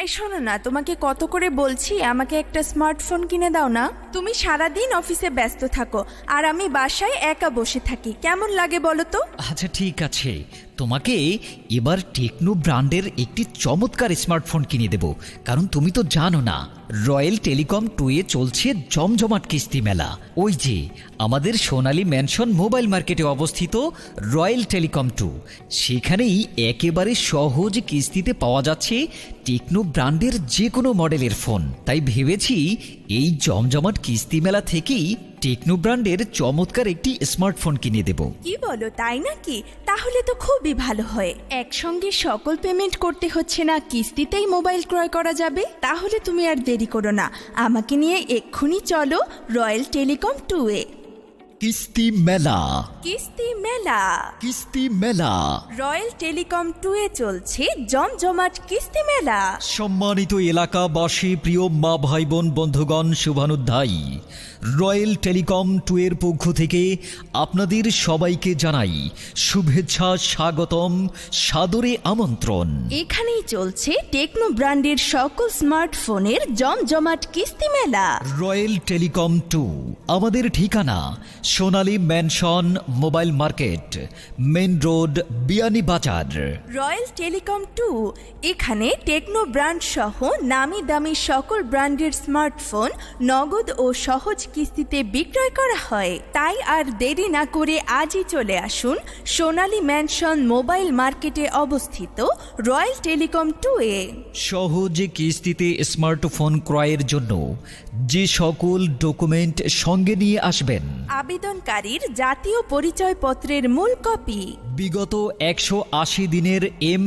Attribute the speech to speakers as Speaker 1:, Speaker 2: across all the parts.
Speaker 1: এই শোনো না, তোমাকে কত করে বলছি আমাকে একটা স্মার্টফোন কিনে দাও না। তুমি সারাদিন অফিসে ব্যস্ত থাকো আর আমি বাসায় একা বসে থাকি, কেমন লাগে বলো তো?
Speaker 2: আচ্ছা ঠিক আছে, তোমাকে এবার টেকনো ব্র্যান্ডের একটি চমৎকার স্মার্টফোন কিনে দেব। কারণ তুমি তো জানো না, রয়্যাল টেলিকম 2 এ চলছে জমজমাট কিস্তি মেলা। ওই যে আমাদের সোনালী ম্যানশন মোবাইল মার্কেটে অবস্থিত রয়্যাল টেলিকম 2, সেখানেই একেবারে সহজ কিস্তিতে পাওয়া যাচ্ছে টেকনো ব্র্যান্ডের যে কোনো মডেলের ফোন। তাই ভেবেছি এই জমজমাট কিস্তি মেলা থেকেই টেকনো ব্র্যান্ডের চমৎকার একটি স্মার্টফোন কিনে দেব।
Speaker 1: কি বলো, তাই নাকি? তাহলে তো খুবই ভালো হয়। একসঙ্গে সকল পেমেন্ট করতে হচ্ছে না, কিস্তিতেই মোবাইল ক্রয় করা যাবে। তাহলে তুমি আর দেরি করো না, আমাকে নিয়ে এক্ষুনি চলো রয়্যাল টেলিকম 2 এ।
Speaker 2: কিস্তি মেলা,
Speaker 1: কিস্তি মেলা,
Speaker 2: কিস্তি মেলা।
Speaker 1: রয়্যাল টেলিকম 2 এ চলছে জমজমাট কিস্তি মেলা।
Speaker 2: সম্মানিত এলাকাবাসী, প্রিয় মা ভাই বোন বন্ধুগণ, শুভানুধ্যায়ী, রয়্যাল টেলিকম 2 এর পক্ষ থেকে আপনাদের সবাইকে জানাই শুভেচ্ছা, স্বাগতম, সাদরে আমন্ত্রণ।
Speaker 1: এখানেই চলছে টেকনো ব্র্যান্ডের সকল স্মার্টফোনের জমজমাট কিস্তি মেলা।
Speaker 2: রয়্যাল টেলিকম 2 আমাদের ঠিকানা Sonali mansion mobile market, main road, Beanibazar.
Speaker 1: Royal telecom 2 এখানে টেকনো ব্র্যান্ড সহ নামি দামি সকল ব্র্যান্ডের স্মার্টফোন নগদ ও সহজ কিস্তিতে বিক্রয় করা হয়। তাই আর দেরি না করে আজই চলে আসুন সোনালী ম্যানশন মোবাইল মার্কেটে অবস্থিত রয়্যাল টেলিকম 2 এ।
Speaker 2: সহজ কিস্তিতে স্মার্টফোন ক্রয়ের জন্য যে সকল ডকুমেন্ট সঙ্গে নিয়ে আসবেন:
Speaker 1: আবেদনকারীর জাতীয় পরিচয়পত্রের মূল কপি,
Speaker 2: বিগত 180 দিনের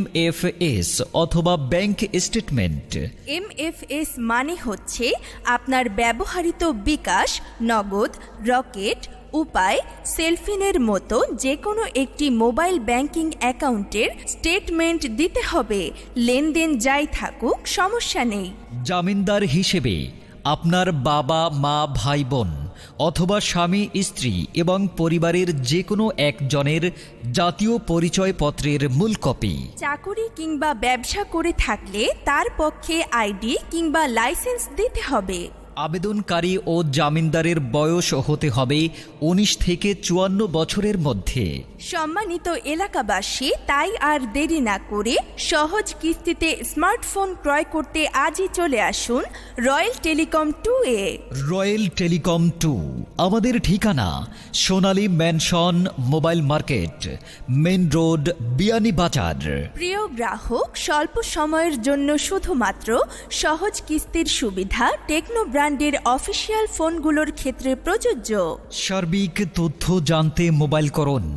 Speaker 2: MFS অথবা ব্যাংক স্টেটমেন্ট।
Speaker 1: MFS মানে হচ্ছে আপনার ব্যবহৃত বিকাশ, নগদ, রকেট, উপায়, সেলফিনের মতো যে কোনো একটি মোবাইল ব্যাংকিং অ্যাকাউন্টের স্টেটমেন্ট দিতে হবে। লেনদেন যাই থাকুক সমস্যা নেই।
Speaker 2: জামিনদার হিসেবে আপনার বাবা, মা, ভাই, বোন অথবা স্বামী, স্ত্রী এবং পরিবারের যে কোনো একজনের জাতীয় পরিচয়পত্রের মূল কপি।
Speaker 1: চাকুরি কিংবা ব্যবসা করে থাকলে তার পক্ষে আইডি কিংবা লাইসেন্স দিতে হবে।
Speaker 2: আবেদনকারী ও জামিনদারের বয়স হতে হবে 19 থেকে 54 বছরের মধ্যে।
Speaker 1: সম্মানিত এলাকাবাসী, তাই আর দেরি না করে সহজ কিস্তিতে স্মার্টফোন ক্রয় করতে আজই চলে আসুন রয়্যাল টেলিকম 2 এ।
Speaker 2: রয়্যাল টেলিকম 2 আমাদের ঠিকানা Sonali mansion mobile market, main road, Beanibazar.
Speaker 1: প্রিয় গ্রাহক, স্বল্প সময়ের জন্য শুধুমাত্র সহজ কিস্তির সুবিধা টেকনো ব্র্যান্ডের অফিসিয়াল ফোনগুলোর ক্ষেত্রে প্রযোজ্য।
Speaker 2: সার্বিক তথ্য জানতে মোবাইল করুন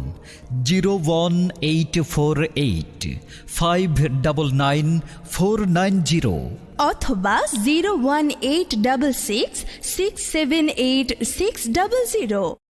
Speaker 2: 01848 599 490
Speaker 1: অথবা 01866 678 600।